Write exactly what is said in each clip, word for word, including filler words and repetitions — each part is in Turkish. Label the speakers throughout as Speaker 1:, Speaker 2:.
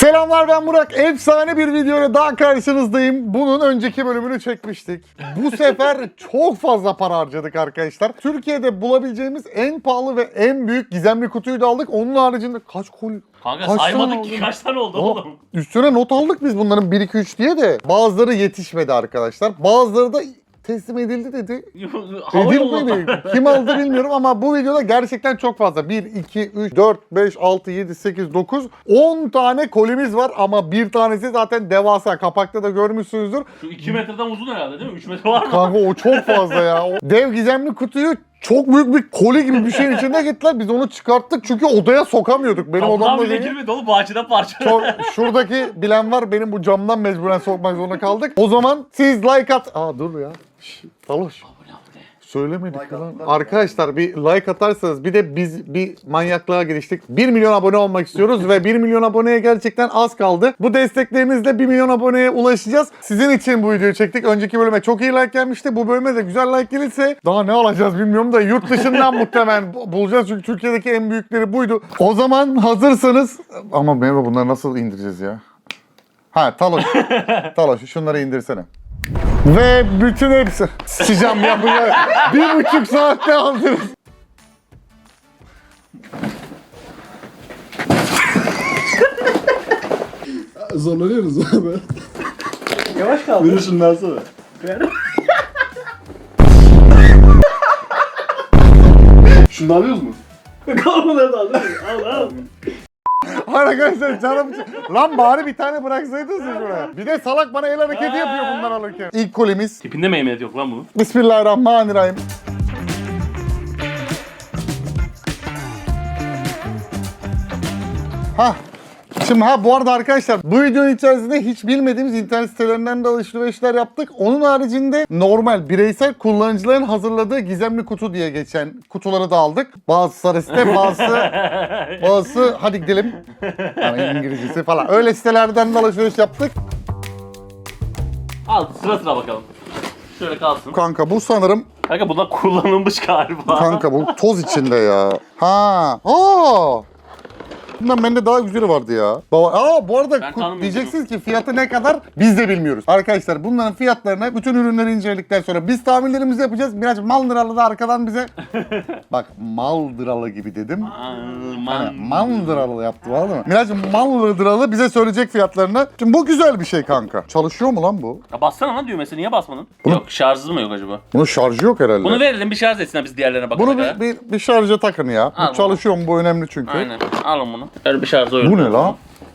Speaker 1: Selamlar, ben Burak. Efsane bir videoyla daha karşınızdayım. Bunun önceki bölümünü çekmiştik. Bu sefer çok fazla para harcadık arkadaşlar. Türkiye'de bulabileceğimiz en pahalı ve en büyük gizemli kutuyu da aldık. Onun haricinde kaç koli...
Speaker 2: Kanka
Speaker 1: kaç
Speaker 2: saymadık ki
Speaker 1: oldu?
Speaker 2: kaç tane oldu
Speaker 1: Aa,
Speaker 2: oğlum.
Speaker 1: Üstüne not aldık biz bunların bir iki üç diye de. Bazıları yetişmedi arkadaşlar. Bazıları da teslim edildi dedi.
Speaker 2: Hava yoluna.
Speaker 1: Edilmedi. Kim aldı bilmiyorum ama bu videoda gerçekten çok fazla. bir, iki, üç, dört, beş, altı, yedi, sekiz, dokuz, on tane kolimiz var ama bir tanesi zaten devasa. Kapakta da görmüşsünüzdür.
Speaker 2: Şu iki metreden uzun herhalde değil mi? üç metre var mı?
Speaker 1: Kanka o çok fazla ya. O dev gizemli kutuyu çok büyük bir koli gibi bir şeyin içinde gittiler. Biz onu çıkarttık çünkü odaya sokamıyorduk. Benim
Speaker 2: Kapıdan
Speaker 1: odamda
Speaker 2: bile
Speaker 1: değil.
Speaker 2: girmedi oğlum, bahçeden parça.
Speaker 1: Çok, şuradaki bilen var, benim bu camdan mecburen sokmak zorunda kaldık. O zaman siz like at... Aa dur ya. Şş, Taloş. Söylemedik
Speaker 3: Like
Speaker 1: lan.
Speaker 3: attılar.
Speaker 1: Arkadaşlar bir like atarsanız, bir de biz bir manyaklığa giriştik. bir milyon abone olmak istiyoruz ve bir milyon aboneye gerçekten az kaldı. Bu desteklerinizle bir milyon aboneye ulaşacağız. Sizin için bu videoyu çektik. Önceki bölüme çok iyi like gelmişti. Bu bölüme de güzel like gelirse daha ne alacağız bilmiyorum da yurt dışından muhtemelen bulacağız. Çünkü Türkiye'deki en büyükleri buydu. O zaman hazırsanız... Ama Merve, bunları nasıl indireceğiz ya? Ha Taloş. Taloş şunları indirsene. Ve bütün hepsi... Sıcam ya bunu bir buçuk saatte aldınız.
Speaker 3: Zorlanıyoruz abi.
Speaker 2: Yavaş kaldı.
Speaker 3: Buyurun şundan sonra. Şunu da alıyoruz mu?
Speaker 2: Kalmadan da aldın. Al al.
Speaker 1: Arkadaşlar canım... Lan bari bir tane bıraksaydınız ya şuraya. Bir de salak bana el hareketi yapıyor bundan alırken. İlk kolimiz.
Speaker 2: Tipinde meymenet yok lan bunun.
Speaker 1: Bismillahirrahmanirrahim. Hah. Şimdi ha bu arada arkadaşlar, bu videonun içerisinde hiç bilmediğimiz internet sitelerinden de alışverişler yaptık. Onun haricinde normal bireysel kullanıcıların hazırladığı gizemli kutu diye geçen kutuları da aldık. Bazı sarı site, bazısı bazısı hadi gidelim. Yani İngilizcesi falan. Öyle sitelerden de alışveriş yaptık.
Speaker 2: Al sıra sıra bakalım. Şöyle kalsın.
Speaker 1: Kanka bu sanırım
Speaker 2: Kanka bunlar kullanılmış galiba.
Speaker 1: kanka bu toz içinde ya. Ha. Aa. Bundan bende daha güzeli vardı ya. Baba, aa bu arada
Speaker 2: Ben
Speaker 1: ku-
Speaker 2: tanımıyorum
Speaker 1: diyeceksiniz ki fiyatı ne kadar, biz de bilmiyoruz. Arkadaşlar bunların fiyatlarını, bütün ürünleri inceledikten sonra biz tahminlerimizi yapacağız. Biraz mal liralı da arkadan bize bak mal liralı gibi dedim.
Speaker 2: Aman.
Speaker 1: Mal liralı yaptı var mı? Biraz mal liralı bize söyleyecek fiyatlarını. Şimdi bu güzel bir şey kanka. Çalışıyor mu lan bu?
Speaker 2: Ya bassana lan düğmesine, niye basmadın?
Speaker 1: Bunu-
Speaker 2: Yok, şarjı mı yok acaba?
Speaker 1: Bunun şarjı yok herhalde.
Speaker 2: Bunu verelim bir şarj etsin, biz diğerlerine bakalım.
Speaker 1: Bunu bir, bir, bir şarja takın ya.
Speaker 2: Al
Speaker 1: Bu çalışıyor mu? Bu önemli çünkü.
Speaker 2: Aynen. Alın bunu. Öyle bir şarjı oyun.
Speaker 1: Bu ne lan?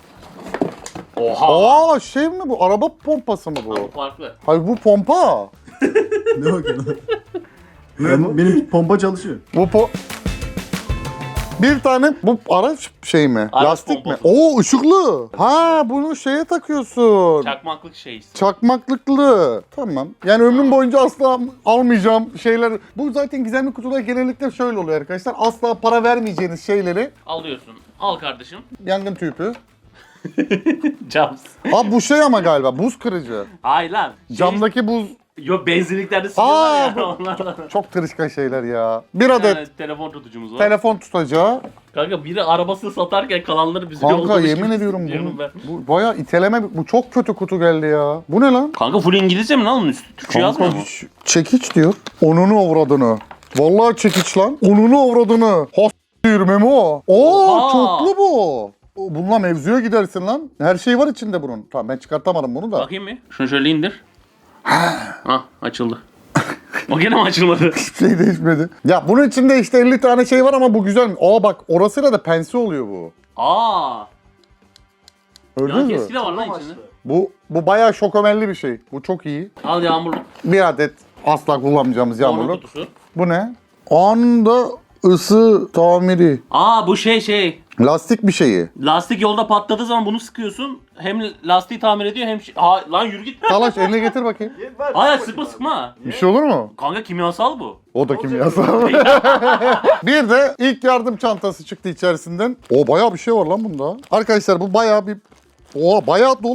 Speaker 2: Oha.
Speaker 1: Aa şey mi bu? Araba pompası mı bu?
Speaker 2: Farklı.
Speaker 1: Hayır bu pompa.
Speaker 3: Ne bakıyorsun? Ben, benim pompa çalışıyor.
Speaker 1: Bu po... Bir tane bu araç şey mi?
Speaker 2: Araç
Speaker 1: Lastik mi?
Speaker 2: pompası.
Speaker 1: Oo ışıklı. Ha bunu şeye takıyorsun.
Speaker 2: Çakmaklık şey.
Speaker 1: Çakmaklıklı. Tamam. Yani ömrüm boyunca asla almayacağım şeyler. Bu zaten gizemli kutular genellikle şöyle oluyor arkadaşlar. Asla para vermeyeceğiniz şeyleri.
Speaker 2: Alıyorsun. Al kardeşim.
Speaker 1: Yangın tüpü.
Speaker 2: Cams.
Speaker 1: Aa bu şey ama galiba buz kırıcı.
Speaker 2: Hayır lan. Şey,
Speaker 1: Camdaki buz.
Speaker 2: Yok, benzinliklerde sıkıyorlar
Speaker 1: Aa
Speaker 2: ya.
Speaker 1: bu
Speaker 2: Onlardan.
Speaker 1: çok tırışkan şeyler ya. Bir adet
Speaker 2: Yani telefon tutucumuz var.
Speaker 1: telefon tutacağı.
Speaker 2: Kanka biri arabasını satarken kalanları bize
Speaker 1: Kanka
Speaker 2: yollamış
Speaker 1: yemin
Speaker 2: gibi
Speaker 1: ediyorum
Speaker 2: diyorum
Speaker 1: bu,
Speaker 2: ben.
Speaker 1: bu bayağı iteleme, bu çok kötü kutu geldi ya. Bu ne lan?
Speaker 2: Kanka full İngilizce mi lan onun üstü? Türkçe yazmıyor mu?
Speaker 1: hiç- çekiç diyor. Onunu avradını. Vallahi çekiç lan. Onunu avradını. Has diyorum Memo. Oo
Speaker 2: Oha!
Speaker 1: çoklu bu. Bununla mevzuya gidersin lan. Her şey var içinde bunun. Tamam ben çıkartamadım bunu da.
Speaker 2: Bakayım bir. Şunu şöyle indir. Ah açıldı. O gene mi açılmadı?
Speaker 1: Hiçbir şey değişmedi. Ya bunun içinde işte elli tane şey var ama bu güzel mi? Aa bak orasıyla da pense oluyor bu.
Speaker 2: Aa.
Speaker 1: Gördünüz
Speaker 2: Yan
Speaker 1: mü?
Speaker 2: keski de var lan içinde.
Speaker 1: Bu, bu bayağı şokomelli bir şey. Bu çok iyi.
Speaker 2: Al yağmurluk.
Speaker 1: Bir adet asla kullanmayacağımız
Speaker 2: Yağmur
Speaker 1: yağmurluk.
Speaker 2: kutusu.
Speaker 1: Bu ne? Anında ısı tamiri.
Speaker 2: Aa bu şey şey.
Speaker 1: Lastik bir şeyi.
Speaker 2: Lastik yolda patladığı zaman bunu sıkıyorsun. Hem lastiği tamir ediyor hem şey... Ha, lan yürü git.
Speaker 1: Talaş eline getir bakayım.
Speaker 2: Hayır sıkma sıkma.
Speaker 1: Bir şey olur mu?
Speaker 2: Kanka kimyasal bu.
Speaker 1: O da kimyasal. Bir de ilk yardım çantası çıktı içerisinden. O bayağı bir şey var lan bunda. Arkadaşlar bu bayağı bir... O bayağı dolu bir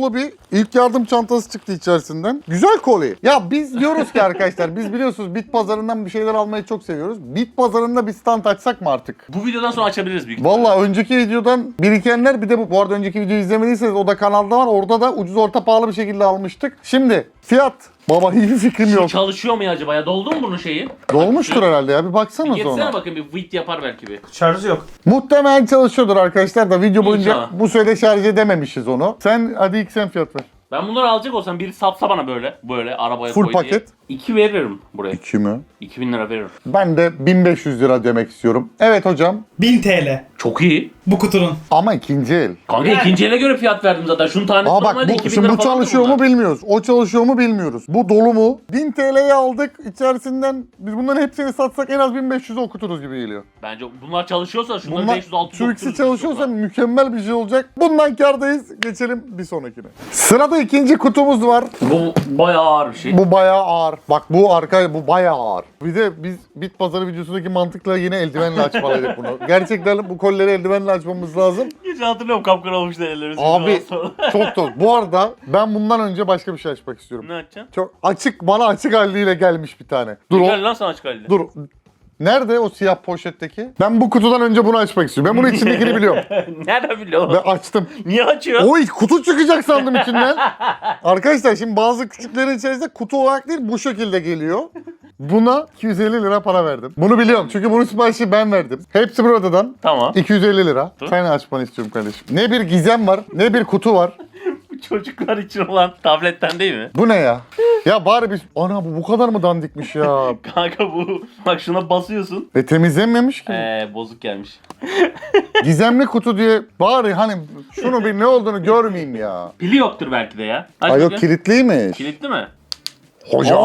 Speaker 1: İlk yardım çantası çıktı içerisinden. Güzel koli. Ya biz diyoruz ki arkadaşlar, biz biliyorsunuz bit pazarından bir şeyler almayı çok seviyoruz. Bit pazarında bir stand açsak mı artık?
Speaker 2: Bu videodan sonra açabiliriz büyük ihtimalle.
Speaker 1: Valla önceki videodan birikenler, bir de bu, bu arada önceki videoyu izlemediyseniz o da kanalda var. Orada da ucuz orta pahalı bir şekilde almıştık. Şimdi fiyat. Baba hiç fikrim yok.
Speaker 2: Çalışıyor mu ya acaba ya? Doldu mu bunun şeyi?
Speaker 1: Dolmuştur herhalde ya, bir
Speaker 2: Bir
Speaker 1: baksana
Speaker 2: geçsene
Speaker 1: sonra.
Speaker 2: bakın, bir vit yapar belki bir.
Speaker 3: Şarjı yok.
Speaker 1: Muhtemelen çalışıyordur arkadaşlar da video boyunca
Speaker 2: İnşallah.
Speaker 1: bu sürede şarj edememişiz onu. Sen hadi ilk sen fiyat ver.
Speaker 2: Ben bunları alacak olsam biri satsa bana böyle, böyle arabaya
Speaker 1: Full
Speaker 2: koy diye.
Speaker 1: paket.
Speaker 2: iki veririm buraya.
Speaker 1: iki mi?
Speaker 2: iki bin lira veririm.
Speaker 1: Ben de bin beş yüz lira demek istiyorum. Evet hocam.
Speaker 4: bin T L
Speaker 2: Çok iyi.
Speaker 4: bu kutunun.
Speaker 1: Ama ikinci el.
Speaker 2: Kanka ikinci ele göre fiyat verdim zaten. Şunun tanesi
Speaker 1: Aa bak
Speaker 2: normalde
Speaker 1: bu,
Speaker 2: iki bin
Speaker 1: şimdi
Speaker 2: lira
Speaker 1: bu
Speaker 2: falandı
Speaker 1: çalışıyor mu
Speaker 2: bunlar.
Speaker 1: bilmiyoruz. O çalışıyor mu bilmiyoruz. Bu dolu mu? bin T L'ye aldık. İçerisinden biz bunların hepsini satsak en az bin beş yüze okuturuz gibi geliyor.
Speaker 2: Bence bunlar çalışıyorsa şunları
Speaker 1: Bunlar
Speaker 2: beş yüz altı yüz
Speaker 1: şu ikisi
Speaker 2: okuturuz.
Speaker 1: çalışıyorsa mükemmel bir şey olacak. Bundan kârdayız. Geçelim bir sonrakine. Sırada ikinci kutumuz var.
Speaker 2: Bu bayağı ağır bir şey.
Speaker 1: Bu bayağı ağır. Bak bu arka bu bayağı ağır. Bir de biz bit pazarı videosundaki mantıkla yine eldivenle açmalıydık bunu. Gerçekten bu kolleri eldivenle açmamız lazım.
Speaker 2: Hiç hatırlıyorum, kapkara olmuştu ellerimiz.
Speaker 1: Abi çok da. Bu arada ben bundan önce başka bir şey açmak istiyorum.
Speaker 2: Ne açacaksın?
Speaker 1: Çok açık, bana açık haliyle gelmiş bir tane. Dur o.
Speaker 2: Gel lan sana çıkarıyla.
Speaker 1: Dur. Nerede o siyah poşetteki? Ben bu kutudan önce bunu açmak istiyorum. Ben bunun içindekini biliyorum.
Speaker 2: Nereden biliyorsun?
Speaker 1: Ve açtım.
Speaker 2: Niye açıyorsun?
Speaker 1: Oy kutu çıkacak sandım içinden. Arkadaşlar şimdi bazı küçüklerin içerisinde kutu olarak değil bu şekilde geliyor. Buna iki yüz elli lira para verdim. Bunu biliyorum çünkü bunun siparişi ben verdim. Hepsi buradan.
Speaker 2: Tamam.
Speaker 1: iki yüz elli lira.
Speaker 2: Dur.
Speaker 1: Sen açmanı istiyorum kardeşim. Ne bir gizem var, ne bir kutu var.
Speaker 2: Bu çocuklar için olan tabletten değil mi?
Speaker 1: Bu ne ya? Ya bari biz... Ana bu bu kadar mı dandikmiş ya?
Speaker 2: Kanka bu. Bak şuna basıyorsun.
Speaker 1: Ve temizlenmemiş ki.
Speaker 2: Eee bozuk gelmiş.
Speaker 1: Gizemli kutu diye bari hani şunu bir ne olduğunu görmeyeyim ya.
Speaker 2: Pili yoktur belki de ya. Aç
Speaker 1: Ay yok
Speaker 2: bakayım.
Speaker 1: kilitliymiş.
Speaker 2: Kilitli mi?
Speaker 1: Hocam.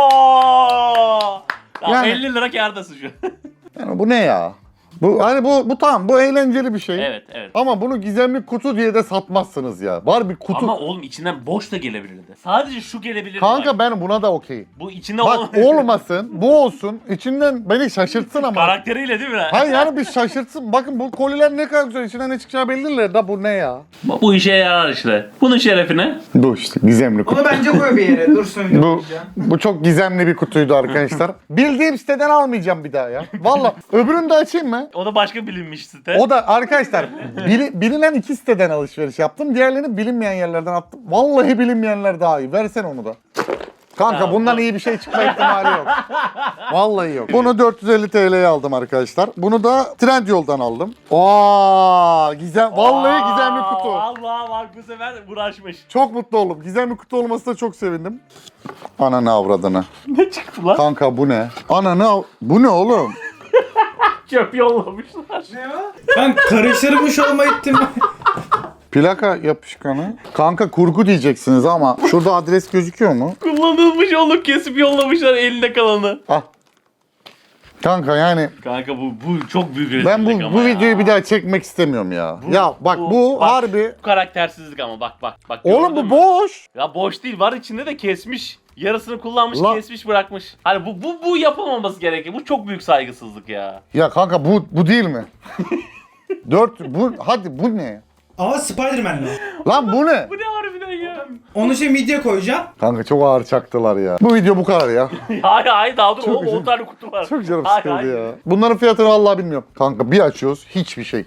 Speaker 2: Oo! Tamam,
Speaker 1: Yani-
Speaker 2: elli lira kârdasın şu an.
Speaker 1: Yani bu ne ya? Bu hani bu bu tamam bu eğlenceli bir şey.
Speaker 2: Evet evet.
Speaker 1: Ama bunu gizemli kutu diye de satmazsınız ya. Var bir kutu.
Speaker 2: Ama oğlum içinden boş da gelebilirdi. Sadece şu gelebilirdi.
Speaker 1: Kanka
Speaker 2: bak.
Speaker 1: ben buna da okeyim.
Speaker 2: Bu içinde
Speaker 1: Bak
Speaker 2: olan-
Speaker 1: olmasın, bu olsun. İçinden beni şaşırtsın ama.
Speaker 2: Karakteriyle değil mi?
Speaker 1: Hayır yani bir şaşırtsın. Bakın bu koliler ne kadar güzel. İçinden ne çıkacağı belliler da bu ne ya?
Speaker 2: Bu, bu işe yarar işte. Bunun şerefine.
Speaker 1: Bu işte gizemli kutu.
Speaker 4: Onu bence koy bir yere. Dursun
Speaker 1: Bu,
Speaker 4: yapacağım.
Speaker 1: bu çok gizemli bir kutuydu arkadaşlar. Bildiğim siteden almayacağım bir daha ya. Valla öbürünü de açayım mı?
Speaker 2: O da başka bilinmiş site.
Speaker 1: O da arkadaşlar bili- bilinen iki siteden alışveriş yaptım. Diğerlerini bilinmeyen yerlerden attım. Vallahi bilinmeyenler daha iyi. Versen onu da. Kanka
Speaker 2: Tamam,
Speaker 1: bundan
Speaker 2: tamam.
Speaker 1: iyi bir şey çıkma ihtimali yok. Vallahi yok. Bunu dört yüz elli T L'ye aldım arkadaşlar. Bunu da Trendyol'dan aldım. Aa, gizem vallahi gizemli kutu.
Speaker 2: Allah bak bu sefer uğraşmış.
Speaker 1: Çok mutlu oldum. Gizemli kutu olmasına çok sevindim. Ananı avradını.
Speaker 2: Ne çıktı lan?
Speaker 1: Kanka bu ne? Ananı av... Bu ne oğlum?
Speaker 2: Çöp yollamışlar.
Speaker 4: Ben karıştırmış olma ihtim.
Speaker 1: Plaka yapışkanı. Kanka kurgu diyeceksiniz ama şurada adres gözüküyor mu?
Speaker 2: Kullanılmış olup kesip yollamışlar elinde kalanı.
Speaker 1: Ah. Kanka yani
Speaker 2: Kanka bu bu çok büyük rezillik
Speaker 1: ben bu
Speaker 2: ama
Speaker 1: bu
Speaker 2: ya.
Speaker 1: videoyu bir daha çekmek istemiyorum ya. ya bak bu,
Speaker 2: bak,
Speaker 1: harbi.
Speaker 2: Bu karaktersizlik ama bak bak bak.
Speaker 1: Oğlum
Speaker 2: gördün
Speaker 1: bu
Speaker 2: mü?
Speaker 1: boş.
Speaker 2: Ya boş değil, var içinde de kesmiş. Yarısını kullanmış,
Speaker 1: La-
Speaker 2: kesmiş, bırakmış. Hani bu bu bu yapılmaması gerekir. Bu çok büyük saygısızlık ya.
Speaker 1: Ya kanka bu bu değil mi? Dört bu hadi bu ne?
Speaker 4: Ama Spider-Man'le.
Speaker 1: Lan bu ne?
Speaker 2: Bu ne harbiden ya?
Speaker 4: Onu şey midye koyacağım.
Speaker 1: Kanka çok ağır çaktılar ya. Bu video bu kadar ya.
Speaker 2: hayır hayır daha dur.
Speaker 1: Çok
Speaker 2: O on tane kutu var.
Speaker 1: Çok canım
Speaker 2: Hayır,
Speaker 1: sıkıldı
Speaker 2: hayır.
Speaker 1: ya. Bunların fiyatını vallahi bilmiyorum. Kanka bir açıyoruz hiçbir şey.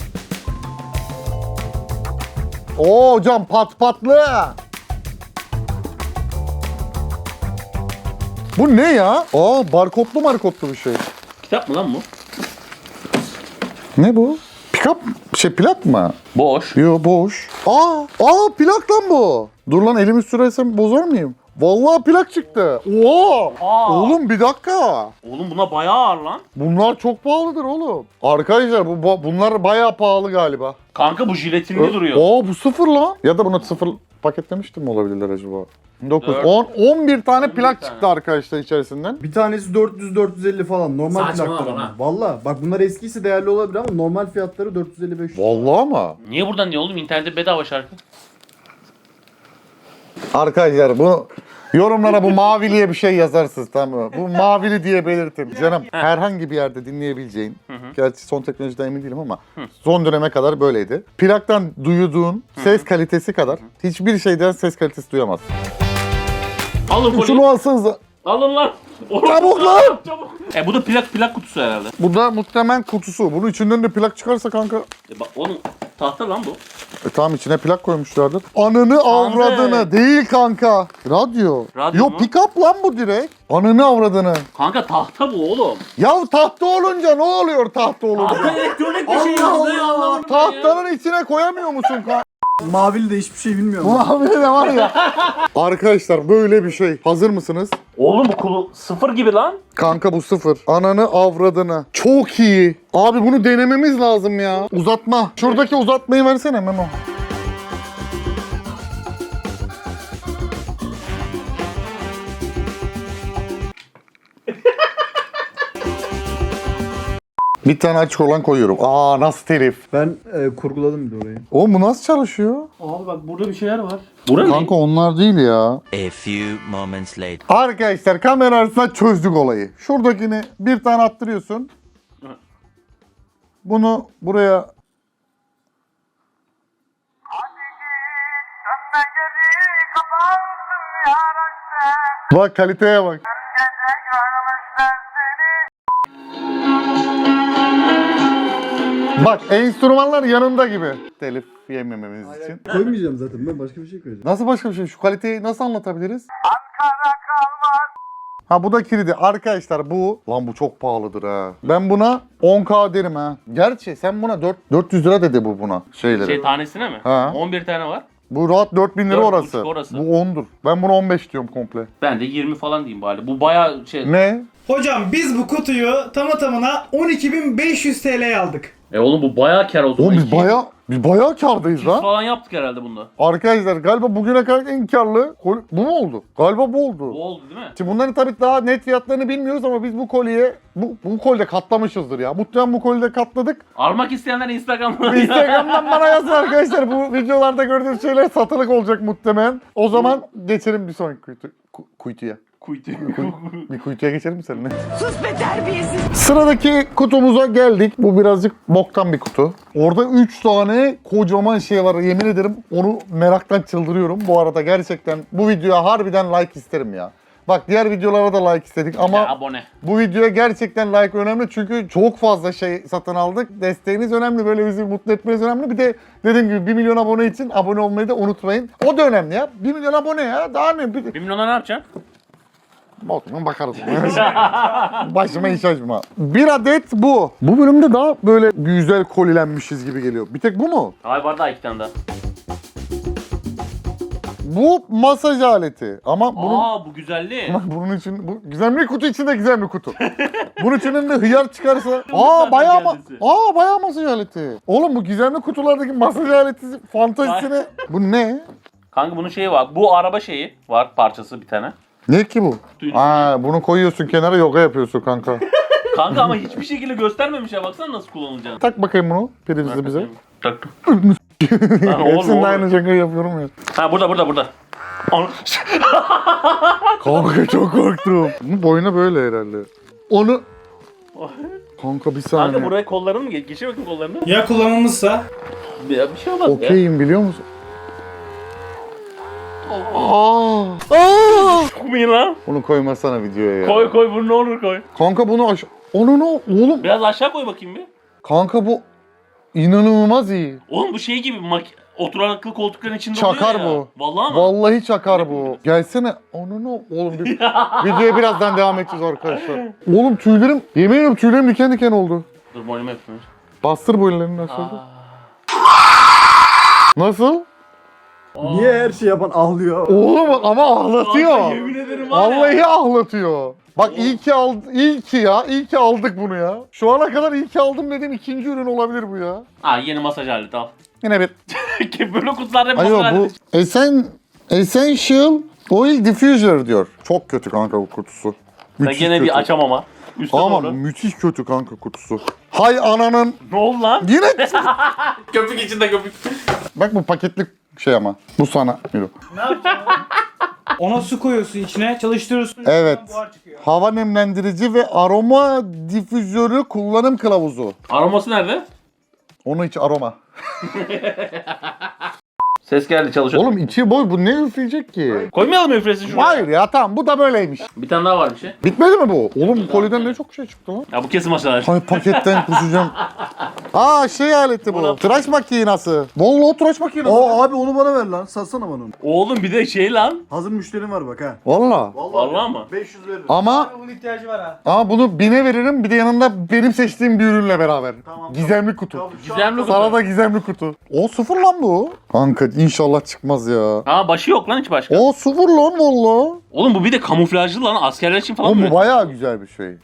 Speaker 1: Oo hocam pat patlı. Bu ne ya? Aa barkodlu markodlu bir şey.
Speaker 2: Kitap mı lan bu?
Speaker 1: Ne bu? Pikap şey plak mı?
Speaker 2: Boş.
Speaker 1: Yo boş. Aa, aa plak lan bu. Dur lan elimi sürersem bozar mıyım? Vallahi plak çıktı. Oo!
Speaker 2: Aa.
Speaker 1: Oğlum bir dakika.
Speaker 2: Oğlum buna bayağı ağır lan.
Speaker 1: Bunlar çok pahalıdır oğlum. Arkadaşlar bu bu- bunlar bayağı pahalı galiba.
Speaker 2: Kanka bu jiletinli duruyor.
Speaker 1: Aa bu sıfır lan. Ya da bunu sıfır paketlemiştim mi olabilirler acaba? dokuz,
Speaker 2: Dört.
Speaker 1: on, on bir tane
Speaker 2: on bir
Speaker 1: plak
Speaker 2: tane.
Speaker 1: çıktı arkadaşlar içerisinden.
Speaker 3: Bir tanesi dört yüz dört yüz elli falan normal
Speaker 2: Saçmalama
Speaker 3: plaklar
Speaker 2: lan.
Speaker 3: ama. Valla bak bunlar eskisi değerli olabilir ama normal fiyatları dört yüz elli beş yüz.
Speaker 1: Vallahi ama.
Speaker 2: Niye buradan diye oğlum? İnternette bedava şarkı.
Speaker 1: Arkadaşlar bu yorumlara bu maviliye bir şey yazarsınız tamam mı? Bu mavili diye belirtin. Canım herhangi bir yerde dinleyebileceğin Gerçi son teknolojiden emin değilim ama son döneme kadar böyleydi. Plaktan duyduğun ses kalitesi kadar hiçbir şeyden ses kalitesi duyamazsın.
Speaker 2: Alın
Speaker 1: Şunu
Speaker 2: koliyi.
Speaker 1: alsanıza.
Speaker 2: Alın lan.
Speaker 1: Çabuk lan!
Speaker 2: Çabuk. E bu da plak plak kutusu herhalde.
Speaker 1: Bu da muhtemelen kutusu. Bunun içinden de plak çıkarsa kanka.
Speaker 2: E bak onun tahta lan bu.
Speaker 1: E tamam, içine plak koymuşlardır. Ananı avradını değil kanka. Radyo.
Speaker 2: Radyo
Speaker 1: Yo
Speaker 2: mu?
Speaker 1: pick-up lan bu direkt. Ananı avradını.
Speaker 2: Kanka tahta bu oğlum.
Speaker 1: Ya tahta olunca ne oluyor tahta olunca?
Speaker 2: Tahta elektronik bir şey.
Speaker 1: Allah
Speaker 2: Ne
Speaker 1: Allah.
Speaker 2: anlamadım ben ya.
Speaker 1: Tahtanın içine koyamıyor musun kanka?
Speaker 3: Mavili de hiçbir şey bilmiyorum.
Speaker 1: Abi de var ya. Arkadaşlar böyle bir şey. Hazır mısınız?
Speaker 2: Oğlum bu kulu sıfır gibi lan.
Speaker 1: Kanka bu sıfır. Ananı avradını. Çok iyi. Abi bunu denememiz lazım ya. Uzatma. Şuradaki uzatmayı versene Memo. Bir tane açık olan koyuyorum. Aa nasıl herif.
Speaker 3: Ben e, kurguladım bir de orayı.
Speaker 1: O bu nasıl çalışıyor?
Speaker 2: Abi bak burada bir şeyler var. Bura ne?
Speaker 1: Kanka onlar değil ya.
Speaker 5: A few moments later.
Speaker 1: Arkadaşlar kamera arasında çözdük olayı. Şuradakini bir tane attırıyorsun. Bunu buraya... Bak kaliteye bak. Bak enstrümanlar yanında gibi. Telif yemememiz için.
Speaker 3: Koymayacağım zaten, ben başka bir şey koyacağım.
Speaker 1: Nasıl başka bir şey? Şu kaliteyi nasıl anlatabiliriz? Ha bu da kilidi. Arkadaşlar bu... Lan bu çok pahalıdır ha. Ben buna on K derim ha. Gerçi sen buna dört dört yüz lira dedi bu buna. Şeyleri.
Speaker 2: Şey tanesine mi?
Speaker 1: Ha.
Speaker 2: on bir tane var.
Speaker 1: Bu rahat dört bin lira
Speaker 2: Dört
Speaker 1: orası.
Speaker 2: buçuk orası.
Speaker 1: Bu ondur. Ben buna on beş diyorum komple.
Speaker 2: Ben de yirmi falan diyeyim bari. Bu bayağı şey.
Speaker 1: Ne?
Speaker 4: Hocam biz bu kutuyu tamı tamına on iki bin beş yüz T L'ye aldık.
Speaker 2: E oğlum bu bayağı kar o zaman.
Speaker 1: Oğlum biz
Speaker 2: İki-
Speaker 1: bayağı biz bayağı kârdayız
Speaker 2: Biz
Speaker 1: lan.
Speaker 2: falan yaptık herhalde bunda.
Speaker 1: Arkadaşlar galiba bugüne kadar en karlı kol- bu mu oldu? Galiba bu oldu.
Speaker 2: Bu oldu değil mi?
Speaker 1: Şimdi bunların tabii daha net fiyatlarını bilmiyoruz ama biz bu kolye bu, bu kolde katlamışızdır ya. Muhtemelen bu kolde katladık.
Speaker 2: Almak isteyenler Instagram'dan.
Speaker 1: Instagram'dan bana yazın arkadaşlar. Bu videolarda gördüğünüz şeyler satılık olacak muhtemelen. O zaman geçelim bir sonraki kuytu, ku- kuytuya.
Speaker 2: Kuytu.
Speaker 1: Bir kuytuya geçelim mi seninle? Sus be terbiyesiz. Sıradaki kutumuza geldik. Bu birazcık boktan bir kutu. Orada üç tane kocaman şey var. Yemin ederim onu meraktan çıldırıyorum. Bu arada gerçekten bu videoya harbiden like isterim ya. Bak diğer videolara da like istedik ama
Speaker 2: Ya, abone.
Speaker 1: bu videoya gerçekten like önemli çünkü çok fazla şey satın aldık. Desteğiniz önemli, böyle bizi mutlu etmeniz önemli. Bir de dediğim gibi bir milyon abone için abone olmayı da unutmayın. O da önemli ya. bir milyon abone ya. Daha ne? Bir...
Speaker 2: Bir milyona ne yapacaksın?
Speaker 1: Bakma bakarız. Başıma iş açma. Bir adet bu. Bu bölümde daha böyle güzel kolilenmişiz gibi geliyor. Bir tek bu mu?
Speaker 2: Hayır var daha iki tane daha.
Speaker 1: Bu masaj aleti. Ama bunun...
Speaker 2: Aa bu güzelliği.
Speaker 1: Ama bunun için bu güzel bir kutu içinde güzel bir kutu. Bunun içinden de hıyar çıkarsa aa bayağı ma
Speaker 2: Geldisi.
Speaker 1: aa bayağı masaj aleti. Oğlum bu gizemli kutulardaki masaj aleti fantazisine bu ne?
Speaker 2: Kanka bunun şeyi var. Bu araba şeyi var parçası bir tane.
Speaker 1: Ne ki bu?
Speaker 2: Duyun.
Speaker 1: Aa bunu koyuyorsun kenara yoga yapıyorsun kanka.
Speaker 2: Kanka ama hiçbir şekilde göstermemiş ya. Baksana nasıl kullanılacağını.
Speaker 1: Tak bakayım bunu prizi bize.
Speaker 2: Taktım. Lan oğlum,
Speaker 1: Hepsinde
Speaker 2: oğlum.
Speaker 1: aynı şakayı yapıyorum ya.
Speaker 2: Ha burada burada burada. Onu...
Speaker 1: Kanka çok korktum. Bunun boynu böyle herhalde. Onu... Kanka bir saniye.
Speaker 2: Kanka buraya kollarını mı geç? Geçir bakayım kollarını.
Speaker 4: Ya kullanılmışsa?
Speaker 2: Ya bir şey olmaz ya.
Speaker 1: Okeyim biliyor musun? Aa! Aa!
Speaker 2: Koymayın lan.
Speaker 1: Bunu koymasana videoya ya.
Speaker 2: Koy koy bunu ne olur koy.
Speaker 1: Kanka bunu aş... Onu ne? Oğlum.
Speaker 2: Biraz aşağı koy bakayım bir.
Speaker 1: Kanka bu inanılmaz iyi.
Speaker 2: Oğlum bu şey gibi mak oturaklı koltukların içinde
Speaker 1: Çakar
Speaker 2: oluyor ya.
Speaker 1: bu.
Speaker 2: Vallahi mı?
Speaker 1: Vallahi çakar bu. Gelsene. Onu ne? Oğlum bir... videoya birazdan devam edeceğiz arkadaşlar. Oğlum tüylerim, yemin ediyorum tüylerim diken diken oldu.
Speaker 2: Dur boynuma yapayım.
Speaker 1: Bastır bu ellerini nasıl?
Speaker 2: Aa.
Speaker 1: Nasıl?
Speaker 3: Niye her şey yapan ağlıyor?
Speaker 1: Oğlum ama ağlatıyor.
Speaker 2: Kanka yemin ederim var ya.
Speaker 1: Vallahi ağlatıyor. Bak iyi ki aldı, iyi ki ya, iyi ki aldık bunu ya. Şu ana kadar iyi ki aldım dediğim ikinci ürün olabilir bu ya.
Speaker 2: Ha yeni masaj aleti al.
Speaker 1: Yine bir.
Speaker 2: Böyle kutularda hep
Speaker 1: Ayo
Speaker 2: masaj
Speaker 1: bu
Speaker 2: aleti.
Speaker 1: Esen, Essential Oil Diffuser diyor. Çok kötü kanka bu kutusu.
Speaker 2: Ben
Speaker 1: Müthiş
Speaker 2: gene
Speaker 1: kötü.
Speaker 2: bir açamama. Üste
Speaker 1: Ama
Speaker 2: doğru.
Speaker 1: müthiş kötü kanka kutusu. Hay ananın.
Speaker 2: Ne oldu lan?
Speaker 1: Yine.
Speaker 2: Köpük içinde köpük.
Speaker 1: Bak bu paketli şey ama. Bu sana. Yürü.
Speaker 4: Ne yapacaksın? Ona su koyuyorsun içine, çalıştırıyorsun.
Speaker 1: Evet.
Speaker 4: içinden buhar çıkıyor.
Speaker 1: Hava nemlendirici ve aroma difüzörü kullanım kılavuzu.
Speaker 2: Aroması nerede?
Speaker 1: Onu hiç aroma.
Speaker 2: Ses geldi çalışıyor.
Speaker 1: Oğlum içi boy, bu ne üfleyecek ki?
Speaker 2: Koymayalım mı üflesin şuraya?
Speaker 1: Hayır ya, tamam, bu da böyleymiş.
Speaker 2: Bir tane daha var bir şey.
Speaker 1: Bitmedi mi bu? Oğlum bu koliden ne çok şey çıktı lan.
Speaker 2: Ya bu kesin maşallah.
Speaker 1: Ay paketten kusacağım. Aa şey aleti bu. Tıraş makinası. Vallahi tıraş makinası.
Speaker 3: Aa abi onu bana ver lan. Satsana bana onu.
Speaker 2: Oğlum bir de şey lan.
Speaker 3: Hazır müşterim var bak ha.
Speaker 1: Vallahi.
Speaker 2: Vallahi mı?
Speaker 3: beş yüz veririm.
Speaker 1: Ama
Speaker 4: Abi bunun ihtiyacı var ha.
Speaker 1: ama bunu bine veririm, bir de yanında benim seçtiğim bir ürünle beraber.
Speaker 3: Tamam,
Speaker 1: Gizemli kutu.
Speaker 3: Tamam, şu an-
Speaker 2: Gizemli kutu.
Speaker 1: Sana da gizemli kutu. O sıfır lan bu. Kanka inşallah çıkmaz ya.
Speaker 2: Ha başı yok lan hiç başka.
Speaker 1: O sıfır lan valla.
Speaker 2: Oğlum bu bir de kamuflajlı lan. Askerler için falan
Speaker 1: Oğlum
Speaker 2: mı?
Speaker 1: bu bayağı güzel bir şey.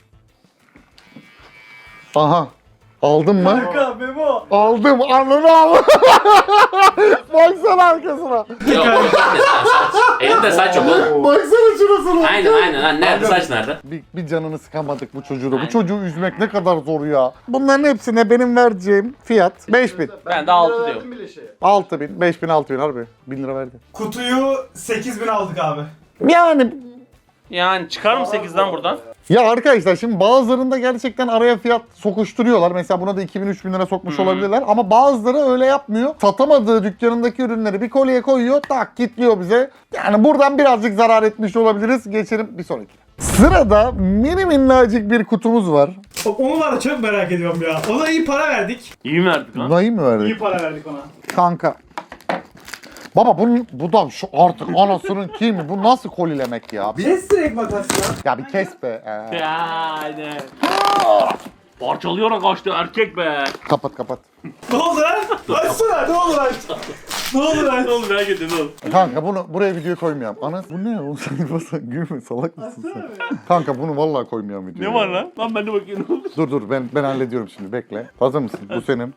Speaker 1: Aha. Aldın mı?
Speaker 4: Kanka Memo.
Speaker 1: Aldım. Ananı al. Baksana arkasına.
Speaker 2: Yok. Elinde saç yok oğlum.
Speaker 1: Baksana şurasına.
Speaker 2: Aynen aynen lan. Nerede saç nerede?
Speaker 1: Bir, bir canını sıkamadık bu çocuğu da. Bu
Speaker 2: Aynen.
Speaker 1: çocuğu üzmek ne kadar zor ya. Bunların hepsine benim vereceğim fiyat beş bin.
Speaker 2: Ben de altı
Speaker 3: lira
Speaker 2: diyorum.
Speaker 3: verdim bile şeye.
Speaker 1: altı bin, beş bin, altı bin harbi. bin lira verdi.
Speaker 4: Kutuyu sekiz bin aldık abi.
Speaker 1: Yani
Speaker 2: Yani çıkar mı sekizden buradan?
Speaker 1: ya arkadaşlar şimdi bazılarında gerçekten araya fiyat sokuşturuyorlar. Mesela buna da iki bin, üç bin lira sokmuş
Speaker 2: Hı.
Speaker 1: olabilirler. Ama bazıları öyle yapmıyor. Satamadığı dükkanındaki ürünleri bir kolyeye koyuyor. Tak kilitliyor bize. Yani buradan birazcık zarar etmiş olabiliriz. Geçelim bir sonraki. Sırada mini minnacık bir kutumuz var.
Speaker 4: Onu var ya çok merak ediyorum ya. Ona iyi para verdik.
Speaker 2: İyi mi verdik lan?
Speaker 1: Bunayı mı verdik?
Speaker 4: İyi para verdik ona.
Speaker 1: Kanka. Baba bunun, bu da şu artık anasının kimi? Bu nasıl kolilemek ya? Bir,
Speaker 4: Kes direkt makas ya.
Speaker 1: ya bir kes be. Ee,
Speaker 2: Ya aynen. Parçalayarak kaçtı erkek be.
Speaker 1: kapat kapat.
Speaker 4: Ne oldu lan? Açsana ne olur aç. Ne olur aç.
Speaker 2: Ne oldu merak ettim ne oldu?
Speaker 1: Kanka bunu buraya video koymayalım. Ana bu ne oğlum sen basan gülme, salak mısın sen? Kanka bunu vallahi koymayalım videoya.
Speaker 2: Ne var lan? Lan ben de bakayım ne oldu?
Speaker 1: Dur dur ben ben hallediyorum şimdi, bekle. Hazır mısın? Bu senin.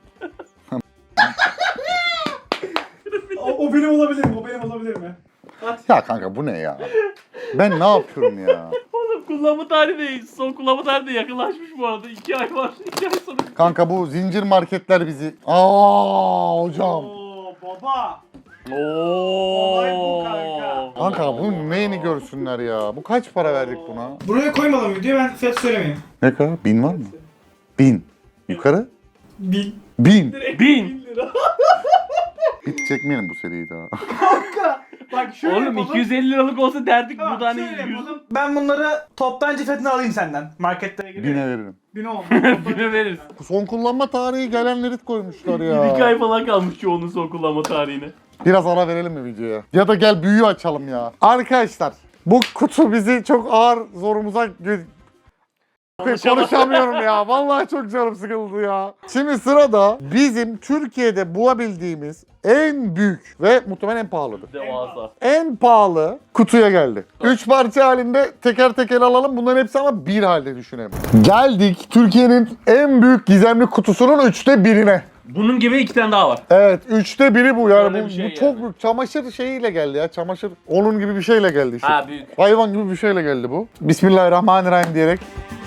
Speaker 4: O, o benim olabilir mi? O benim olabilir mi?
Speaker 1: Ya kanka bu ne ya? Ben ne yapıyorum ya?
Speaker 2: Oğlum kullanma tarihi de son kullanma tarihi de yakınlaşmış bu arada. iki ay var. iki ay sonra.
Speaker 1: Kanka bu zincir marketler bizi... Aa hocam.
Speaker 4: Oo baba.
Speaker 2: Oo.
Speaker 4: Olay bu kanka.
Speaker 1: Kanka bunun neyini görsünler ya? Bu kaç para verdik buna?
Speaker 4: Buraya koymadım videoyu, ben fiyat söylemeyeyim.
Speaker 1: Ne kadar? Bin var mı? Bin. Yukarı?
Speaker 4: Bin.
Speaker 1: Bin.
Speaker 2: Bin.
Speaker 4: lira.
Speaker 1: Hiç çekmeyelim bu seriyi daha.
Speaker 4: Bak şöyle
Speaker 2: Oğlum
Speaker 4: yapalım.
Speaker 2: iki yüz elli liralık olsa derdik
Speaker 4: Tamam,
Speaker 2: burada hani
Speaker 4: şöyle
Speaker 2: yüz
Speaker 4: yapalım. Ben bunları toptancı fiyatına alayım senden. Marketlere gidiyor.
Speaker 1: Bine veririm.
Speaker 4: Bin oldu.
Speaker 2: bine veririz.
Speaker 1: Son kullanma tarihi gelenleri koymuşlar ya.
Speaker 2: iki ay falan kalmış çoğunun son kullanma tarihine.
Speaker 1: Biraz ara verelim mi videoya? Ya da gel büyüğü açalım ya. Arkadaşlar bu kutu bizi çok ağır zorumuza gö- konuşamıyorum ya. Vallahi çok canım sıkıldı ya. Şimdi sırada bizim Türkiye'de bulabildiğimiz en büyük ve muhtemelen en pahalıdır.
Speaker 2: Devasa.
Speaker 1: En pahalı kutuya geldi. Üç parça halinde teker teker alalım. Bunların hepsi ama bir halde düşünelim. Geldik Türkiye'nin en büyük gizemli kutusunun üçte birine.
Speaker 2: Bunun gibi iki tane daha var.
Speaker 1: Evet, üçte biri bu yani.
Speaker 2: Öyle
Speaker 1: Bu,
Speaker 2: bir şey
Speaker 1: bu
Speaker 2: yani.
Speaker 1: çok büyük. Çamaşır şeyiyle geldi ya. Çamaşır onun gibi bir şeyle geldi işte.
Speaker 2: Ha büyük.
Speaker 1: Hayvan gibi bir şeyle geldi bu. Bismillahirrahmanirrahim diyerek.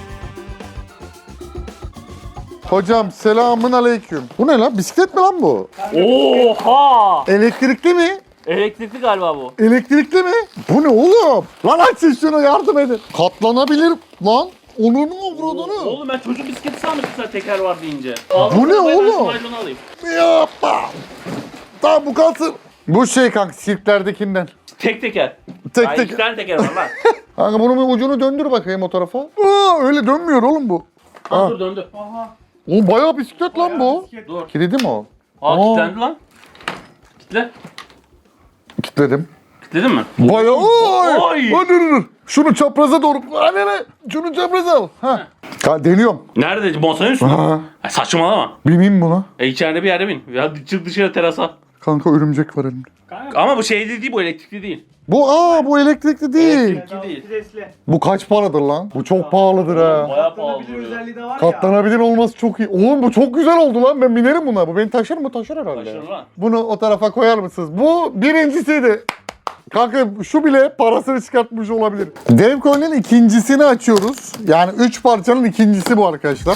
Speaker 1: Hocam selamın aleyküm. Bu ne lan? Bisiklet mi lan bu?
Speaker 2: Oha!
Speaker 1: Elektrikli mi?
Speaker 2: Elektrikli galiba bu.
Speaker 1: Elektrikli mi? Bu ne oğlum? Lan açın şunu, yardım edin. Katlanabilir lan. Onun mu avradını?
Speaker 2: Oğlum ben çocuk bisikleti sanmıştım sen teker var deyince.
Speaker 1: Bu ne oğlum?
Speaker 2: Ben alayım.
Speaker 1: Yapma. Tamam bu kalsın. Bu şey kanka sirklerdekinden.
Speaker 2: Tek teker.
Speaker 1: Tek
Speaker 2: Ay,
Speaker 1: tek.
Speaker 2: iki tane teker var lan.
Speaker 1: Kanka bunun bir ucunu döndür bakayım o tarafa. Aa, öyle dönmüyor oğlum bu.
Speaker 2: Ha,
Speaker 1: Ha.
Speaker 2: dur döndü.
Speaker 4: Aha.
Speaker 1: O bayağı bisiklet lan bu.
Speaker 4: Bisiklet.
Speaker 2: Dur.
Speaker 1: Kilidi mi o?
Speaker 2: Aa,
Speaker 1: Aa.
Speaker 2: kilitlendi lan. Kitle.
Speaker 1: Kilitledim.
Speaker 2: Kilitledin mi?
Speaker 1: Bayağı. Oy!
Speaker 2: Oy!
Speaker 1: Hadi dur dur. Şunu çapraza doğru. Hadi ne? Şunu çapraza al. Ha. Ha, deniyorum.
Speaker 2: Nerede? Masanın üstünde.
Speaker 1: Ha.
Speaker 2: Ay, saçmalama.
Speaker 1: Bineyim buna.
Speaker 2: E içeride bir yerde bin. Ya çık dışarı terasa.
Speaker 1: Kanka örümcek var elimde.
Speaker 4: Kanka.
Speaker 2: Ama bu şeyli değil bu elektrikli değil.
Speaker 1: Bu aa bu elektrikli değil.
Speaker 2: Elektrik- değil.
Speaker 4: Stresli.
Speaker 1: Bu kaç paradır lan? Bu çok pahalıdır ha.
Speaker 2: Bayağı pahalı
Speaker 4: Katlanabilir
Speaker 2: duruyor.
Speaker 4: özelliği de var ya.
Speaker 1: Katlanabilir olması çok iyi. Oğlum bu çok güzel oldu lan. Ben binerim buna. Bu beni taşır mı? Taşır herhalde.
Speaker 2: Taşır lan.
Speaker 1: Bunu o tarafa koyar mısınız? Bu birincisiydi. Kanka şu bile parasını çıkartmış olabilir. Dev kolinin ikincisini açıyoruz. Yani üç parçanın ikincisi bu arkadaşlar.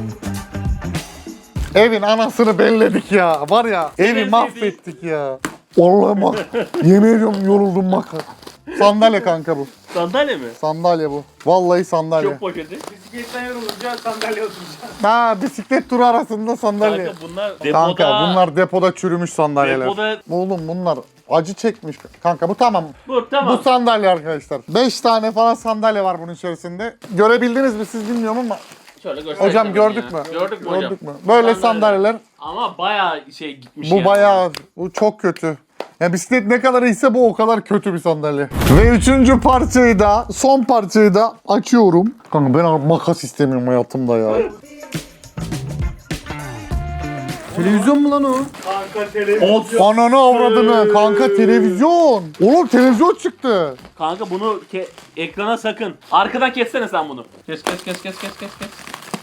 Speaker 1: Evin anasını belledik ya. Var ya evi
Speaker 2: Evet,
Speaker 1: mahvettik ya. Vallahi bak. Yemin ediyorum yoruldum bak. Sandalye kanka bu.
Speaker 2: Sandalye mi?
Speaker 1: Sandalye bu. Vallahi sandalye.
Speaker 2: Çok poşeti.
Speaker 4: Bisikletten yorulunca sandalye oturacağım.
Speaker 1: Ha bisiklet turu arasında sandalye.
Speaker 2: Kanka bunlar depoda.
Speaker 1: Kanka bunlar depoda çürümüş sandalyeler.
Speaker 2: Depoda-
Speaker 1: Oğlum bunlar acı çekmiş. Kanka bu tamam.
Speaker 2: Bu tamam.
Speaker 1: Bu sandalye arkadaşlar. beş tane falan sandalye var bunun içerisinde. Görebildiniz mi siz bilmiyorum ama.
Speaker 2: Şöyle göster.
Speaker 1: Hocam
Speaker 2: sana
Speaker 1: gördük
Speaker 2: ya.
Speaker 1: mü?
Speaker 2: Gördük mü hocam?
Speaker 1: Gördük mü? Böyle sandalyeler.
Speaker 2: Ama bayağı şey gitmiş
Speaker 1: Bu
Speaker 2: yani.
Speaker 1: bayağı, bu çok kötü. Ya bisiklet ne kadar iyiyse bu o kadar kötü bir sandalye. Ve üçüncü parçayı da, son parçayı da açıyorum. Kanka ben makas istemiyorum hayatımda ya.
Speaker 3: Televizyon mu lan o?
Speaker 4: Kanka televizyon.
Speaker 1: Ananı avradını kanka televizyon. Oğlum televizyon çıktı.
Speaker 2: Kanka bunu ke- ekrana sakın. Arkadan kessene sen bunu. Kes kes kes kes kes kes kes.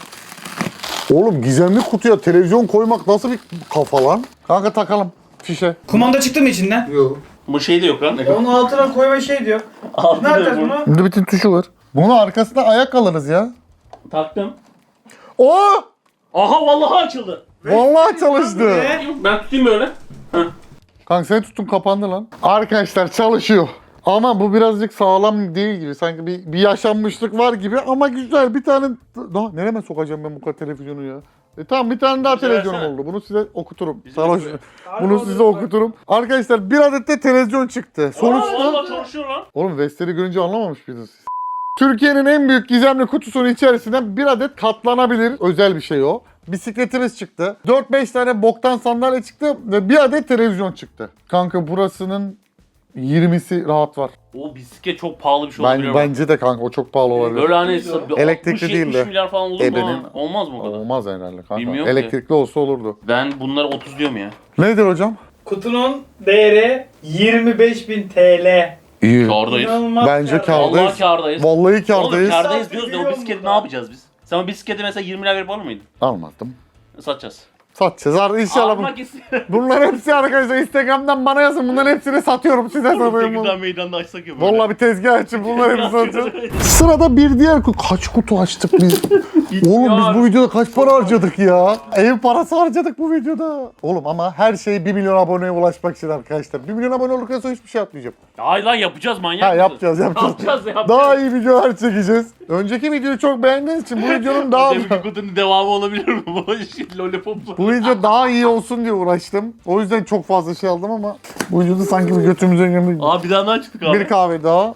Speaker 1: Oğlum gizemli kutuya televizyon koymak nasıl bir kafa lan? Kanka takalım fişe.
Speaker 4: Kumanda çıktı mı içinden?
Speaker 3: Yok.
Speaker 2: Bu şey de yok lan.
Speaker 4: Onun altına koyma şey diyor.
Speaker 2: Altı
Speaker 4: Ne yapacağız
Speaker 2: da bu.
Speaker 4: bunu?
Speaker 1: Burada bütün tuşu var. Bunu arkasına ayak alırız ya.
Speaker 2: Taktım.
Speaker 1: Oo!
Speaker 2: Aha vallahi açıldı.
Speaker 1: Vallahi çalıştı.
Speaker 4: Ve
Speaker 2: Ben tutayım böyle. Heh.
Speaker 1: Kanka sen tutun kapandı lan. Arkadaşlar çalışıyor. Ama bu birazcık sağlam değil gibi. Sanki bir, bir yaşanmışlık var gibi ama güzel. Bir tane... Daha nereme sokacağım ben bu kadar televizyonu ya? E tamam bir tane daha
Speaker 2: Bize
Speaker 1: televizyonum
Speaker 2: versene.
Speaker 1: oldu. Bunu size okuturum.
Speaker 2: Bize
Speaker 1: Sarhoş.
Speaker 2: ver.
Speaker 1: Bunu size okuturum. Arkadaşlar bir adet de televizyon çıktı.
Speaker 2: Aa,
Speaker 1: Sonuçta...
Speaker 2: vallahi çalışıyor lan.
Speaker 1: Oğlum Vestel'i görünce anlamamış mıydınız siz? Türkiye'nin en büyük gizemli kutusunun içerisinden bir adet katlanabilir özel bir şey o. Bisikletimiz çıktı. dört beş tane boktan sandalye çıktı ve bir adet televizyon çıktı. Kanka burasının yirmisi rahat var.
Speaker 2: O bisiklet çok pahalı bir şey
Speaker 1: Ben,
Speaker 2: olabilir. Ben,
Speaker 1: bence de kanka o çok pahalı olabilir.
Speaker 2: Böyle hani
Speaker 1: Elektrikli
Speaker 2: altmış
Speaker 1: değil
Speaker 2: yetmiş
Speaker 1: de.
Speaker 2: milyar falan olur mu?
Speaker 1: Ebenin-
Speaker 2: ha? Olmaz mı o kadar?
Speaker 1: Olmaz herhalde kanka.
Speaker 2: Bilmiyorum ki.
Speaker 1: Elektrikli olsa olurdu.
Speaker 2: Ben bunları otuz diyorum ya.
Speaker 1: Nedir hocam?
Speaker 4: kutunun değeri yirmi beş bin T L.
Speaker 1: İyi.
Speaker 2: Kârdayız.
Speaker 4: İnanılmaz
Speaker 1: Bence
Speaker 4: kâr.
Speaker 1: kârdayız.
Speaker 2: Vallahi kârdayız.
Speaker 1: Vallahi
Speaker 2: Oğlum
Speaker 1: kârdayız.
Speaker 2: kârdayız diyoruz da o
Speaker 4: Biliyorum
Speaker 2: bisikleti ne
Speaker 4: burada.
Speaker 2: yapacağız biz? Sen o bisikleti mesela yirmi lira verip alır mıydın?
Speaker 1: Almadım.
Speaker 2: Satacağız.
Speaker 1: Satacağız. Ar- İnşallah bu.
Speaker 2: Almak istiyorum.
Speaker 1: Bunların hepsi arkadaşlar Instagram'dan bana yazın. Bunların hepsini satıyorum size satıyorum.
Speaker 2: Tekirdağ meydanda açsak ya böyle.
Speaker 1: Vallahi bir tezgah açıp bunları hepsini satacağız. Sırada bir diğer kutu. Kaç kutu açtık biz? Oğlum biz bu videoda kaç para harcadık ya? Ev parası harcadık bu videoda. Oğlum ama her şey bir milyon aboneye ulaşmak için arkadaşlar. bir milyon abone olduktan sonra hiçbir şey yapmayacağım.
Speaker 2: Hayır lan yapacağız manyak
Speaker 1: Ha
Speaker 2: mısın?
Speaker 1: yapacağız yapacağız.
Speaker 2: Yapacağız yapacağız.
Speaker 1: Daha iyi videolar çekeceğiz. Önceki videoyu çok beğendiğiniz için bu videonun daha...
Speaker 2: Deminki kutunun devamı olabilir mi? Bu lollipop.
Speaker 1: Bu video daha iyi olsun diye uğraştım. O yüzden çok fazla şey aldım ama bu videoda sanki bir götümüze girmiş.
Speaker 2: Aa bir daha daha çıktık abi.
Speaker 1: Bir kahve daha.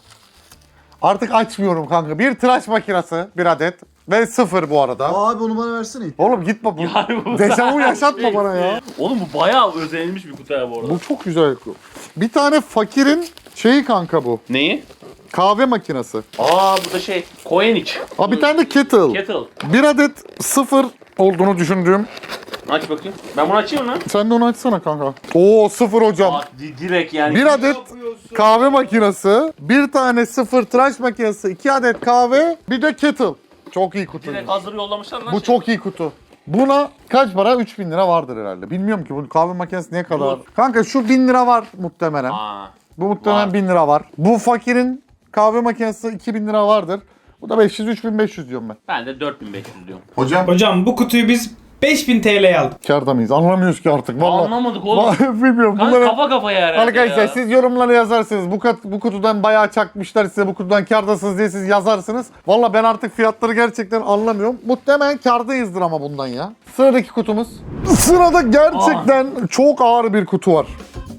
Speaker 1: Artık açmıyorum kanka. Bir tıraş makinesi, bir adet. Ve sıfır bu arada.
Speaker 3: Aa, abi onu bana versene.
Speaker 1: Oğlum git bak.
Speaker 2: Yani bu
Speaker 1: Dejavu yaşatma bana ya.
Speaker 2: Oğlum bu bayağı özenilmiş bir kutu ya bu arada.
Speaker 1: Bu çok güzel. Bir tane fakirin şeyi kanka bu.
Speaker 2: Neyi?
Speaker 1: Kahve makinesi.
Speaker 2: Aa bu da şey. Koyeniç.
Speaker 1: Aa bir tane de kettle.
Speaker 2: Kettle.
Speaker 1: Bir adet sıfır olduğunu düşündüğüm.
Speaker 2: Aç bakayım. Ben bunu açayım lan.
Speaker 1: Sen de onu açsana kanka. Oo sıfır hocam.
Speaker 2: Aa, di- direkt yani.
Speaker 1: Bir adet kahve makinesi, bir tane sıfır tıraş makinesi, iki adet kahve, bir de kettle. Çok iyi kutu.
Speaker 2: Direkt hazır yollamışlar lan.
Speaker 1: Bu çok iyi kutu. Buna kaç para? üç bin lira vardır herhalde. Bilmiyorum ki bu kahve makinesi ne kadar.
Speaker 2: Yok.
Speaker 1: Kanka şu bin lira var muhtemelen.
Speaker 2: Aa.
Speaker 1: Bu muhtemelen
Speaker 2: var.
Speaker 1: bin lira var. Bu fakirin kahve makinesi iki bin lira vardır. Bu da beş yüz üç bin beş yüz diyorum ben.
Speaker 2: Ben de dört bin beş yüz diyorum.
Speaker 1: Hocam
Speaker 4: Hocam bu kutuyu biz beş bin T L'ye aldık.
Speaker 1: kârda mıyız? Anlamıyoruz ki artık. Vallahi.
Speaker 2: Anlamadık oğlum.
Speaker 1: Vallahi bilmiyorum.
Speaker 2: Kanka
Speaker 1: Bunları...
Speaker 2: kafa kafaya herhalde
Speaker 1: Arkadaşlar
Speaker 2: ya.
Speaker 1: siz yorumlara yazarsınız. Bu, kat, bu kutudan bayağı çakmışlar size, bu kutudan kârdasınız diye siz yazarsınız. Valla ben artık fiyatları gerçekten anlamıyorum. Muhtemelen kârdayızdır ama bundan ya. Sıradaki kutumuz. Sırada gerçekten çok ağır bir kutu var.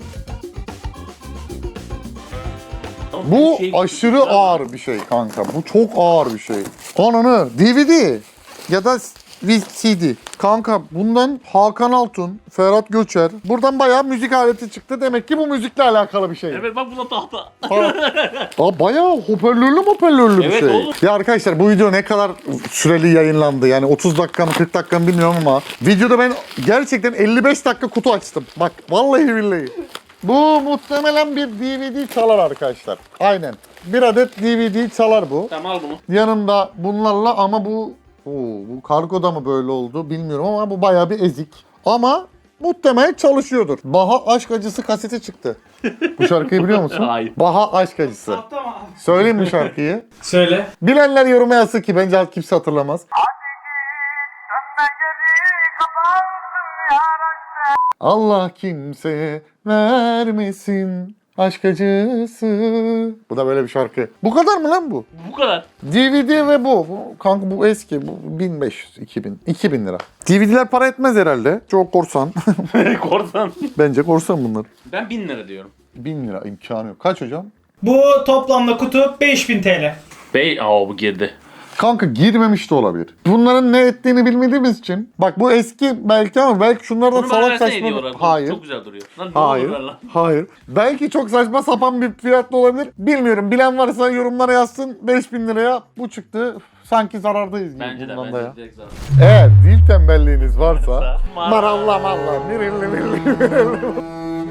Speaker 2: Oğlum,
Speaker 1: Bu
Speaker 2: şey-
Speaker 1: aşırı ağır bir şey kanka. Bu çok ağır bir şey. Ananı D V D ya da C D. Kanka bundan Hakan Altun, Ferhat Göçer. Buradan bayağı müzik aleti çıktı. Demek ki bu müzikle alakalı bir şey.
Speaker 2: Evet bak bu da tahta.
Speaker 1: Aa, bayağı hoparlörlü hoparlörlü bir
Speaker 2: Evet
Speaker 1: şey.
Speaker 2: oğlum.
Speaker 1: Ya arkadaşlar bu video ne kadar süreli yayınlandı? Yani otuz dakika mı kırk dakika mı bilmiyorum ama videoda ben gerçekten elli beş dakika kutu açtım. Bak vallahi billahi. Bu muhtemelen bir D V D çalar arkadaşlar. Aynen. Bir adet D V D çalar bu.
Speaker 2: Tamam al bunu.
Speaker 1: Yanında bunlarla ama bu Oo, bu kargoda mı böyle oldu bilmiyorum ama bu bayağı bir ezik. Ama muhtemelen çalışıyordur. Baha Aşk Acısı kaseti çıktı. Bu şarkıyı biliyor musun?
Speaker 2: Hayır.
Speaker 1: Baha Aşk Acısı.
Speaker 4: Tahta mı?
Speaker 1: Söyleyeyim mi şarkıyı?
Speaker 4: Söyle.
Speaker 1: Bilenler yoruma yazsın ki bence kimse hatırlamaz. Allah kimseye vermesin aşk acısı. Bu da böyle bir şarkı. Bu kadar mı lan bu?
Speaker 2: Bu kadar.
Speaker 1: D V D ve bu. bu kanka bu eski. Bu bin beş yüz, iki bin. iki bin lira. D V D'ler para etmez herhalde. Çok korsan.
Speaker 2: Korsan.
Speaker 1: Bence korsan bunlar.
Speaker 2: Ben bin lira diyorum.
Speaker 1: bin lira imkanı yok. Kaç hocam?
Speaker 4: Bu toplamda kutu beş bin T L.
Speaker 2: Bey, aa bu girdi.
Speaker 1: Kanka girmemiş de olabilir. Bunların ne ettiğini bilmediğimiz için. Bak bu eski belki ama belki şunlar da
Speaker 2: Bunu bana
Speaker 1: salak
Speaker 2: versene
Speaker 1: saçma.
Speaker 2: hediye olarak.
Speaker 1: Hayır.
Speaker 2: Çok güzel duruyor. Lan ne
Speaker 1: Hayır.
Speaker 2: olur ver lan.
Speaker 1: Hayır. Belki çok saçma sapan bir fiyatlı olabilir. Bilmiyorum. Bilen varsa yorumlara yazsın. beş bin liraya bu çıktı. Sanki zarardayız gibi
Speaker 2: Bence de
Speaker 1: bundan da ya.
Speaker 2: bence direkt zaten.
Speaker 1: Eğer dil tembelliğiniz varsa
Speaker 2: Varsa,
Speaker 1: maralla malla mirilli mirilli.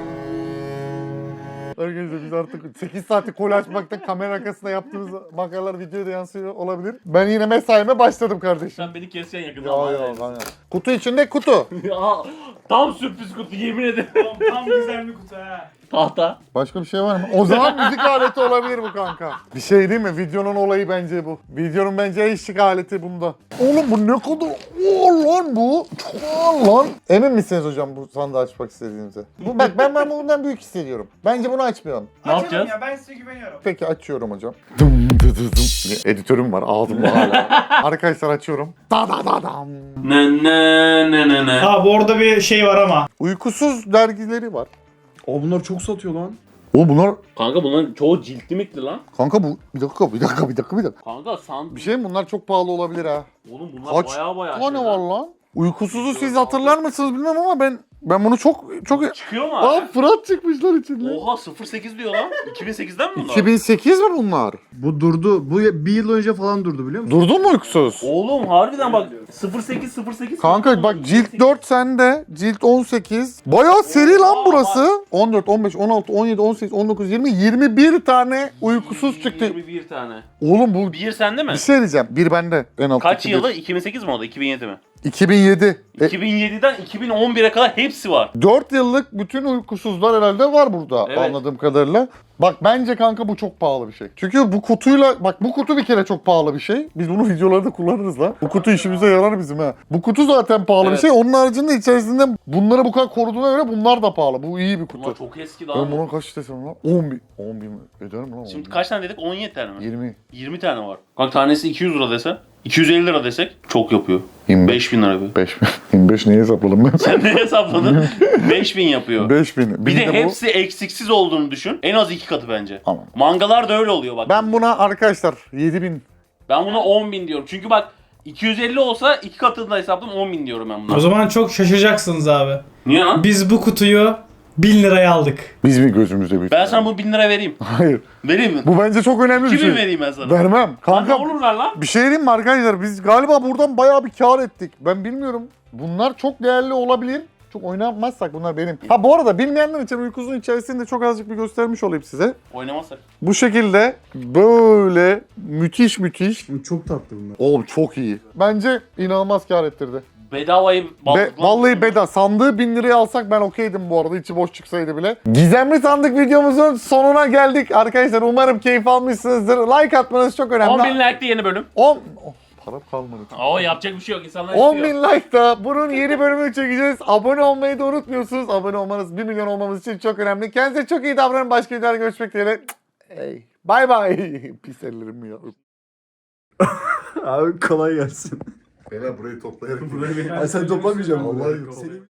Speaker 1: Arkadaşlar biz artık sekiz saati kol açmakta kamera arkasında yaptığımız makaralar videoda yansıyor olabilir. Ben yine mesaime başladım kardeşim.
Speaker 2: Sen beni keseceksin yakında.
Speaker 1: Ya
Speaker 2: ama.
Speaker 1: ya lan ya. Kutu içinde kutu.
Speaker 2: Aa, tam sürpriz kutu yemin ederim.
Speaker 4: Tam, tam güzel bir kutu ha.
Speaker 2: Tahta.
Speaker 1: Başka bir şey var mı? O zaman müzik aleti olabilir bu kanka. Bir şey değil mi? Videonun olayı bence bu. Videonun bence eşlik aleti bunda. Oğlum bu ne kadar ağır lan bu. Çok ağır lan. Emin misiniz hocam bu sandığı açmak istediğinize? Bu, bak ben, ben bundan büyük hissediyorum. Bence bunu açmayalım.
Speaker 2: Ne
Speaker 4: Açalım
Speaker 2: yapacağız?
Speaker 4: ya, ben size güveniyorum.
Speaker 1: Peki açıyorum hocam. Dım dı dı dım. Editörüm var ağzımda hala. Arkadaşlar açıyorum. Da da da dam.
Speaker 2: Ne ne ne ne ne.
Speaker 4: Ha bu orada bir şey var ama.
Speaker 1: Uykusuz dergileri var.
Speaker 3: Aa bunlar çok satıyor lan.
Speaker 1: Oğlum bunlar
Speaker 2: Kanka bunların çoğu ciltli mikli lan.
Speaker 1: kanka bu bir dakika bir dakika bir dakika bir dakika.
Speaker 2: Kanka san...
Speaker 1: Bir şey mi bunlar çok pahalı olabilir ha.
Speaker 2: Oğlum bunlar
Speaker 1: Kaç
Speaker 2: baya baya
Speaker 1: tane
Speaker 2: şey
Speaker 1: var lan? Uykusuzu siz hatırlar mısınız bilmem ama ben ben bunu çok çok
Speaker 2: Çıkıyor mu
Speaker 1: Aa
Speaker 2: abi?
Speaker 1: Fırat çıkmışlar içinde.
Speaker 2: Oha sıfır sekiz diyor lan. iki bin sekizden mi bunlar?
Speaker 1: iki bin sekiz mi bunlar?
Speaker 3: Bu durdu. Bu bir yıl önce falan durdu biliyor musun?
Speaker 1: Durdun mu uykusuz?
Speaker 2: Oğlum harbiden bak sıfır sekiz sıfır sekiz.
Speaker 1: Kanka bak cilt dört sende, cilt on sekiz. Bayağı seri lan burası. on dört, on beş, on altı, on yedi, on sekiz, on dokuz, yirmi, yirmi bir tane uykusuz çıktı.
Speaker 2: yirmi bir tane.
Speaker 1: Oğlum bu
Speaker 2: Bir sende mi?
Speaker 1: bir şey diyeceğim. Bir bende en alt.
Speaker 2: Kaç
Speaker 1: iki
Speaker 2: yılı?
Speaker 1: bir.
Speaker 2: iki bin sekiz mi oldu? iki bin yedi mi?
Speaker 1: iki bin yedi. E,
Speaker 2: iki bin yediden iki bin on bire kadar hepsi var.
Speaker 1: dört yıllık bütün uykusuzlar herhalde var burada
Speaker 2: Evet.
Speaker 1: anladığım kadarıyla. Bak bence kanka bu çok pahalı bir şey. Çünkü bu kutuyla bak bu kutu bir kere çok pahalı bir şey. Biz bunu videolarda kullanırız lan. Bu kutu işimize yarar bizim ha. Bu kutu zaten pahalı
Speaker 2: Evet.
Speaker 1: bir şey. Onun haricinde içerisinde bunları bu kadar koruduğuna göre bunlar da pahalı. Bu iyi bir kutu.
Speaker 2: Bunlar çok eski
Speaker 1: Ben
Speaker 2: lan.
Speaker 1: buna kaç desem lan? on bin. on bin mi? Eder mi lan? on
Speaker 2: Şimdi
Speaker 1: bin?
Speaker 2: kaç tane dedik? on yedi tane mi?
Speaker 1: yirmi.
Speaker 2: yirmi tane var. Bak tanesi iki yüz lira desen. iki yüz elli lira desek çok yapıyor.
Speaker 1: yirmi beş.
Speaker 2: beş bin lira yapıyor.
Speaker 1: beş bin. yirmi beş neyi hesapladım ben?
Speaker 2: Sen ne hesapladın? beş bin yapıyor.
Speaker 1: beş bin.
Speaker 2: Bir de
Speaker 1: bu-
Speaker 2: hepsi eksiksiz olduğunu düşün. En az iki katı bence.
Speaker 1: Tamam.
Speaker 2: Mangalar da öyle oluyor bak.
Speaker 1: Ben buna arkadaşlar yedi bin.
Speaker 2: Ben buna on bin diyorum. Çünkü bak iki yüz elli olsa iki katını da hesapladım on bin diyorum ben buna.
Speaker 4: O zaman çok şaşıracaksınız abi.
Speaker 2: Niye lan?
Speaker 4: Biz bu kutuyu bin liraya aldık.
Speaker 1: Biz mi gözümüzde büyüttük?
Speaker 2: Ben sana bu bin lira vereyim.
Speaker 1: Hayır.
Speaker 2: Vereyim mi?
Speaker 1: Bu bence çok önemli bir
Speaker 2: iki bin
Speaker 1: şey.
Speaker 2: vereyim ben sana.
Speaker 1: Vermem.
Speaker 2: Lan
Speaker 1: Kanka
Speaker 2: ne olur ver lan?
Speaker 1: bir şey diyeyim mi arkadaşlar? Biz galiba buradan bayağı bir kar ettik. Ben bilmiyorum. Bunlar çok değerli olabilir. Çok oynamazsak bunlar benim. Ha bu arada bilmeyenler için uykusunun içerisinde çok azıcık bir göstermiş olayım size.
Speaker 2: Oynamazsak.
Speaker 1: Bu şekilde böyle müthiş müthiş.
Speaker 3: Çok tatlı bunlar.
Speaker 1: Oğlum çok iyi. Bence inanılmaz kar ettirdi.
Speaker 2: Bedavayı
Speaker 1: Be,
Speaker 2: baldık lan.
Speaker 1: vallahi beda. Sandığı bin liraya alsak ben okeydim bu arada. İçi boş çıksaydı bile. Gizemli sandık videomuzun sonuna geldik. Arkadaşlar umarım keyif almışsınızdır. Like atmanız çok önemli.
Speaker 2: on bin like de yeni bölüm.
Speaker 1: on Oh, param kalmadı.
Speaker 2: Oo yapacak bir şey yok. İnsanlar
Speaker 1: on
Speaker 2: istiyor.
Speaker 1: bin like da bunun yeni bölümünü çekeceğiz. Abone olmayı da unutmuyorsunuz. Abone olmanız bir milyon olmamız için çok önemli. Kendinize çok iyi davranın. Başka videolarda görüşmek dileğiyle. Hey. Bye bye. Pis ellerim ya.
Speaker 3: Abi kolay gelsin.
Speaker 1: Beyler burayı toplayarak.
Speaker 3: Ay sen toplamayacaksın.
Speaker 1: Vallahi
Speaker 3: Seni-